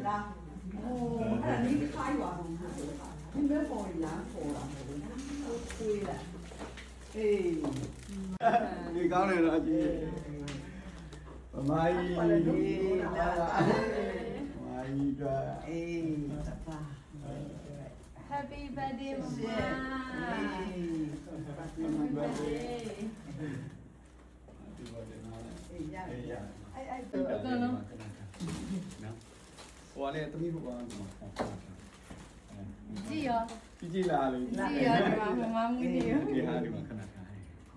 လားโอ้အဲ့ဒါนี่ခိုင်းပါဘူးဒီမဲ့ပေါ်လာပေါ်လာဟုတ်ခွေးလားအေးဒီကောင်းတယ်နော်အကြီးမိုင်းလာမိုင်းတော့အေးပါ Happy birthday, Mama. Happy birthday. အေးရတယ်အဲ့ဟိုလေတမီးဟိုပါကြည့်ရောကြည့်လာလေကြည့်ရောဒီမှာမမမူနေရောဒီဟာဒီမှာခဏခဏ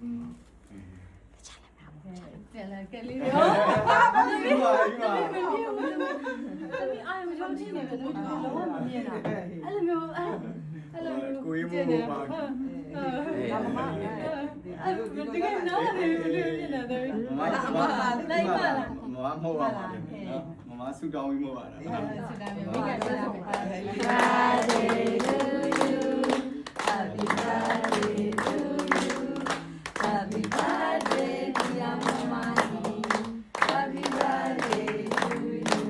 ပြန်လာကလေးရောဒီမှာတမီးအားမလုံးချင်းနေပဲလုံးလုံးမမြင်တာအဲ့လိုမျိုးအဲ့လိုမျိုးကိုကြီးမို့ပါဒါမမအဲ့တကယ်နော်နေလို့မြင်တာတယ်မမလိုက်ပါလားမမမဟုတ်ပါဘူးနော်မမဆူတောင်းပြီးမဟုတ်ပါလားစစ်တာမျိုးမိကဆက်ဆောင်ပါ Happy birthday to you Happy birthday to you Happy birthday dear mama Happy birthday to you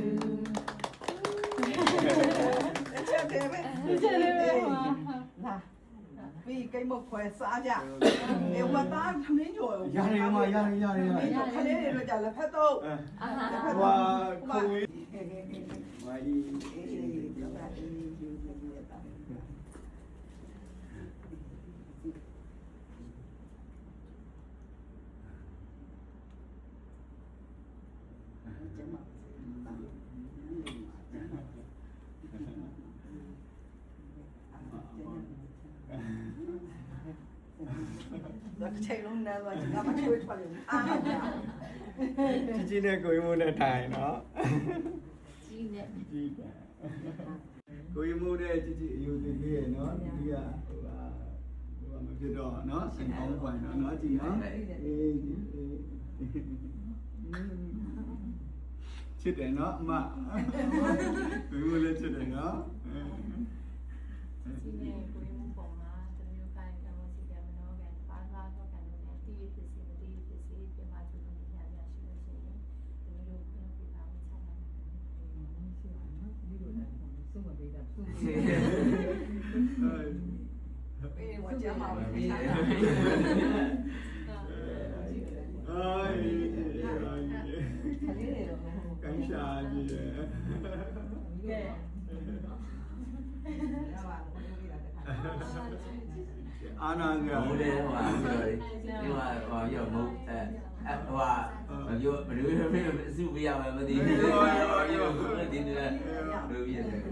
ချက်တယ်ပဲလာပြီးကိတ်မခွဲစားကြအေဝတာသမင်းကျော်ရတယ်မရတယ်ခလေးတွေတော့ကြာလက်ဖက်တော့ဟွာကိုကြီးမိုင်းပြောတာအေးယူနေရတာကျမတော့ချိန်လုံးနဲ့တော့ငါမချွေးထွက်လို့အားရကြီးနဲ့ကိုကြီးမို့နဲ့ထိုင်နော်ကြီးနဲ့ကြီးကိုကြီးမို့နဲ့ကြီးအယူသေးသေးရဲ့နော်ဒီကဟိုမဖြစ်တော့နော်စင်ကောင်းပွိုင်နော်ကြီးနော်အေးချစ်တယ်နော်အမကိုကြီးမို့လည်းချစ်တယ်နော်ကြီးနဲ့ကိုယ်မပုံမှာတမျိုးကိုင်းတော့စီကမနောကန်ပါလာတော့ကန်လို့တီးဖြစ်စီမတီးဖြစ်စီပြမသူတို့ညာညာရှိလို့ရှိရင်တမျိုးကိုပြပါမယ်ဆက်ပါအေးဝကြမှာပဲအေးကန်ရှာကြီးအာနာကမူတယ်ဟိုဒီဟိုရောမုတ်ဟိုပြောဘယ်လိုအစုပြရမှာမသိဘူးရောဒီနေ့လိုပြရတယ်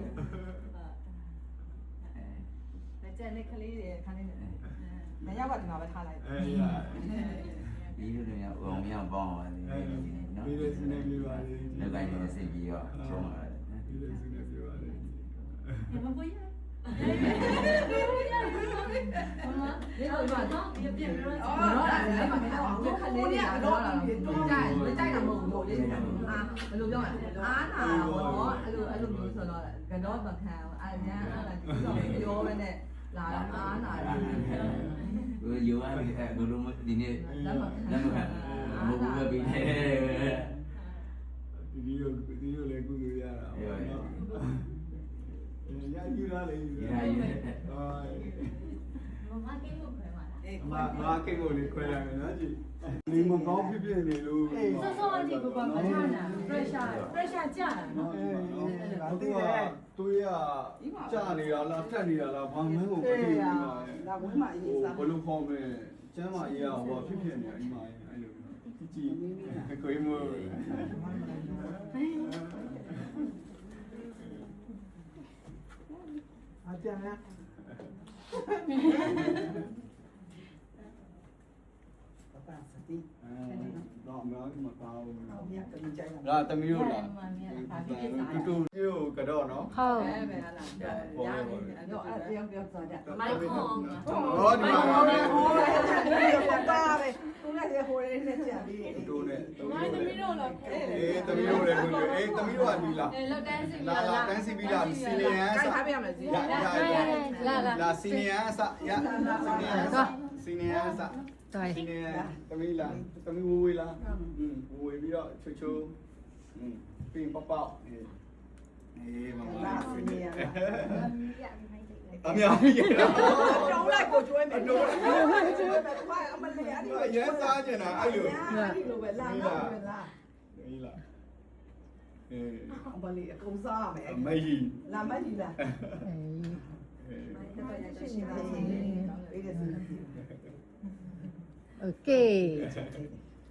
ကျန်တဲ့ကလေးတွေခန်းနေတယ်မရပါဒီမှာပဲထားလိုက်ဒီလိုတွေရောအောင်မြောက်ပေါင်းပါတယ်နော်ပြီးလို့စနေပြပါလေလောက်ကင်းနေစိတ်ကြီးရောချုံးလာတယ်ပြီးလို့စနေပြပါလေမပွေးရမမဒီလိုတော့ပြပြပြောအော်အဲ့ဒါမှမဟုတ်ခလေးတွေကတော့တော့ကြိုက်မကြိုက်တာမဟုတ်ဘူးလေအာဘယ်လိုပြောလဲအားနာတော့အဲ့လိုမျိုးဆိုတော့ကတော့မခံအဲ့ညာအဲ့ဒါဒီတော့ပြောပဲနဲ့လာအားနာတယ်ကိုယူရတယ်ဘယ်လိုဒီနေ့လက်မခံမဟုတ်ဘူးပဲပြီးတယ်ဒီလိုလည်းကုသိုလ်ရတာပေါ့နော်ရယူလာလေယူလာမမကိလို့ခွဲပါလားအေးမကိတ်ကိုလေခွဲလိုက်မယ်နော်ကြည့်ဒီမကောင်းဖြစ်ဖြစ်နေလို့စောစောအကြည့်ကိုပါမချနာ pressure ကျတာနော်သူကသူရကြာနေတာလားဖြတ်နေတာလားဘာမှမဟုတ်ဘူးဒီမှာလာဝင်းမအေးစားဘလို့ဖော်မယ်ကျမ်းမအေးရဟောဖြစ်ဖြစ်နေအိမ်မှာအဲ့လိုကြည့်ကိုင်းမို့အကြမ်းလားပပစတိတော့မလားမကောင်းဘူးအမြတ်ကကြိုက်လားတမီးတို့လားတူပြုတ်ကတော့နော်ဟုတ်ပဲဟာလားရတယ်တော့အဲ့ပြောသွားကြမိုက်ခွန်ဟောဒီမှာဟောတာပဲသူကလည်းဟိုလေးနဲ့ကြာပြီးတူနဲ့မိုက်သမီးတို့လားအေးတမီးတို့လည်းကိုအေးတမီးတို့ကဒီလားလောက်တန်းစီလာတန်းစီပြီးလားစီနီယန်ကိုက်ထားပြရမယ်စီလာစီနီယန်စရစီနီယန်စစီနီယန်တမီးလားတမီးဝေးလားဝေးပြီးတော့ချိုချိုပြီးပေါက်ပေါက်အေးအများကြီးရတာတုံးလိုက်ကိုကျွေးမယ်တုံးလိုက်ကျွေးမယ်သူကအမလေးအဲ့ဒီအရင်စားကျင်တာအဲ့လိုလိုပဲလာလာပဲလာအေးလားအေးအမလေးအကုန်စားရမယ်မကြီးလာမကြီးလားโอเค